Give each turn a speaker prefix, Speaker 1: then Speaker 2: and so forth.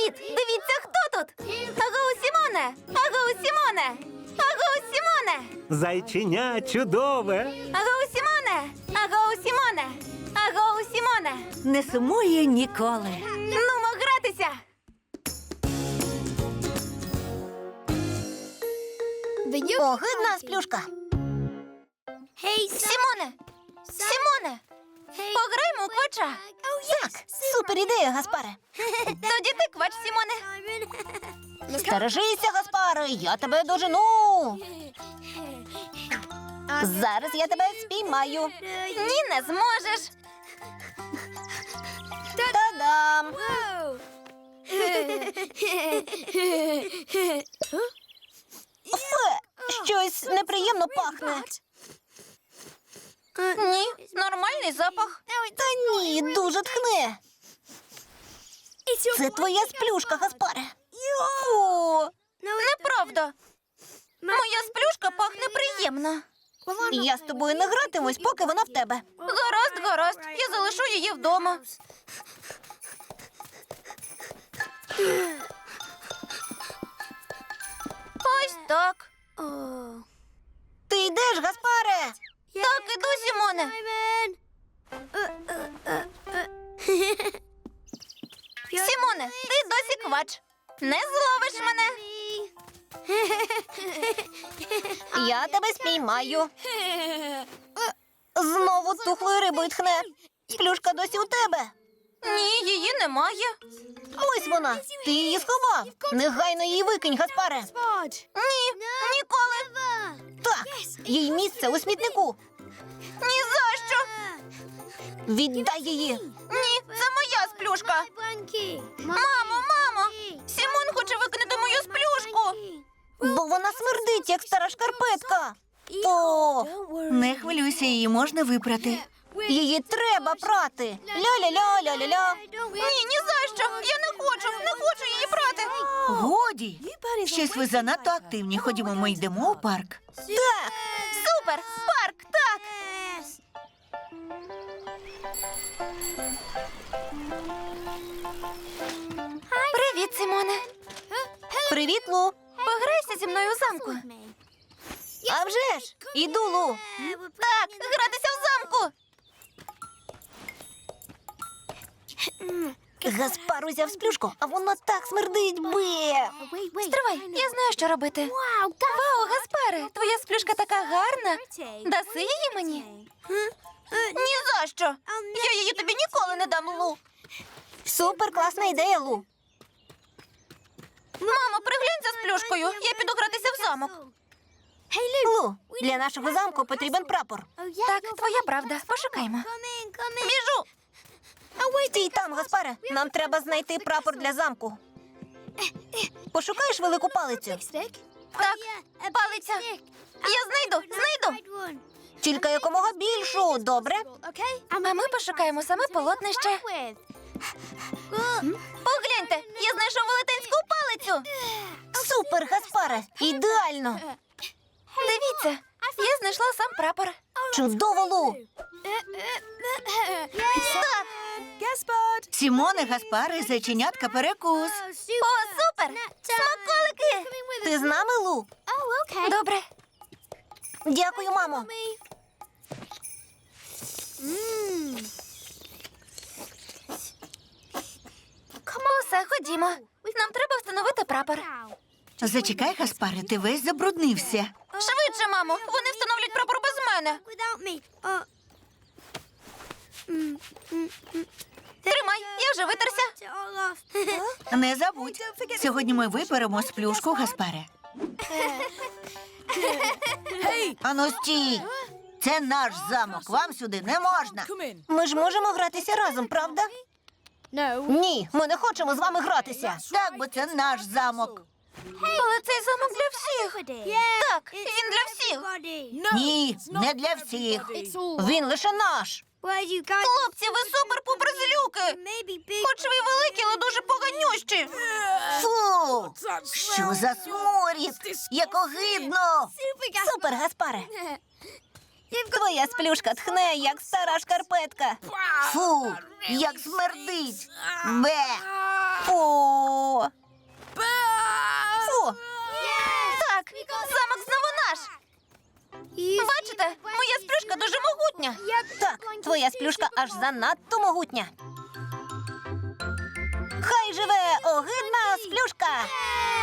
Speaker 1: Привіт! Дивіться, хто тут! Агоу Сімоне! Агоу Сімоне! Агоу Сімоне!
Speaker 2: Зайченя чудове.
Speaker 1: Агоу Сімоне! Агоу Сімоне! Агоу Сімоне!
Speaker 3: Не сумує ніколи.
Speaker 1: Нумо гратися!
Speaker 4: Огидна сплюшка.
Speaker 1: Сімоне! Сімоне! Пограємо у квача!
Speaker 4: Так, супер ідея, Гаспаре.
Speaker 1: Тоді ти квач, Сімоне!
Speaker 4: Стережися, Гаспаре, я тебе дожену. Зараз я тебе спіймаю.
Speaker 1: Ні, не зможеш!
Speaker 4: Та-дам! Фе, щось неприємно пахне.
Speaker 1: Ні, нормальний запах.
Speaker 4: Та ні, дуже тхне. Це твоя сплюшка, Гаспаре. Фу.
Speaker 1: Неправда. Моя сплюшка пахне приємно.
Speaker 4: Я з тобою не гратимусь, поки вона в тебе.
Speaker 1: Гаразд, гаразд. Я залишу її вдома. Ось так.
Speaker 4: Ти йдеш, Гаспаре?
Speaker 1: Так, іду, Сімоне. Сімоне, ти досі квач. Не зловиш мене.
Speaker 4: Я тебе спіймаю. Знову тухлою рибою тхне. Сплюшка досі у тебе.
Speaker 1: Ні, її немає.
Speaker 4: Ось вона. Ти її сховав. Негайно її викинь, Гаспаре.
Speaker 1: Ні, ніколи.
Speaker 4: Так, їй місце у смітнику.
Speaker 1: Ні за що.
Speaker 4: Віддай її.
Speaker 1: Ні, це моя сплюшка. Мамо, мамо, Сімон хоче викинути мою сплюшку.
Speaker 4: Бо вона смердить, як стара шкарпетка. О,
Speaker 3: Не хвилюйся, її можна випрати.
Speaker 4: її треба прати. Ля-ля-ля-ля-ля-ля.
Speaker 1: Ні, ні за що. Я не хочу її брати.
Speaker 3: Годі! Щось ви занадто активні. Ходімо, ми йдемо у парк.
Speaker 4: Так,
Speaker 1: Супер, парк, так. Привіт, Сімоне.
Speaker 4: привіт, Лу.
Speaker 1: Пограйся зі мною у замку.
Speaker 4: А вже ж, іду, Лу.
Speaker 1: Так, гратися в замку.
Speaker 4: Гаспар узяв сплюшку, а вона так смердить, бе.
Speaker 1: Стривай, я знаю, що робити. Вау, Гаспаре, твоя сплюшка така гарна. Даси її мені? Ні за що. Я її тобі ніколи не дам, Лу.
Speaker 4: Супер класна ідея, Лу.
Speaker 1: Мамо, приглянь за сплюшкою. Я піду гратися в замок.
Speaker 4: Лу, для нашого замку потрібен прапор.
Speaker 1: Так, твоя правда. Пошукаймо. Біжу.
Speaker 4: Стій там, Гаспаре. Нам треба знайти прапор для замку. Пошукаєш велику палицю?
Speaker 1: Так, палиця. Я знайду.
Speaker 4: Тільки якомога більшу, добре?
Speaker 1: А ми пошукаємо саме полотнище. Погляньте, я знайшов велетенську палицю.
Speaker 4: Супер, Гаспаре, ідеально.
Speaker 1: Дивіться, я знайшла сам прапор.
Speaker 4: Чудово, Лу.
Speaker 1: Так,
Speaker 3: Сімоне, Гаспаре, зайченятка перекус.
Speaker 1: о, супер! Смаколики!
Speaker 4: Ти з нами, Лу?
Speaker 1: Добре.
Speaker 4: Дякую, мамо.
Speaker 1: Усе, ходімо. Нам треба встановити прапор.
Speaker 3: Зачекай, Гаспаре, ти весь забруднився.
Speaker 1: Швидше, мамо, вони встановлять прапор без мене. Тримай, я вже витерся.
Speaker 3: Не забудь. Сьогодні ми виперемо сплюшку, Гаспаре. Ану, стій! Це наш замок, вам сюди не можна.
Speaker 4: Ми ж можемо гратися разом, правда? Ні, ми не хочемо з вами гратися.
Speaker 3: Так, бо це наш замок.
Speaker 1: Але цей замок для всіх. Так, він для всіх.
Speaker 3: Ні, не для всіх.
Speaker 4: Він лише наш.
Speaker 1: Хлопці, ви супер-пупер злюки. Хоч ви й великі, але дуже поганющі.
Speaker 3: Фу! Що за сморід? Як огидно!
Speaker 4: Супер, Гаспаре. Твоя сплюшка тхне, як стара шкарпетка.
Speaker 3: Фу! Як смердить! Бе!
Speaker 4: Фу.
Speaker 1: сплюшка дуже могутня.
Speaker 4: Так, твоя сплюшка аж занадто могутня. Хай живе огидна сплюшка!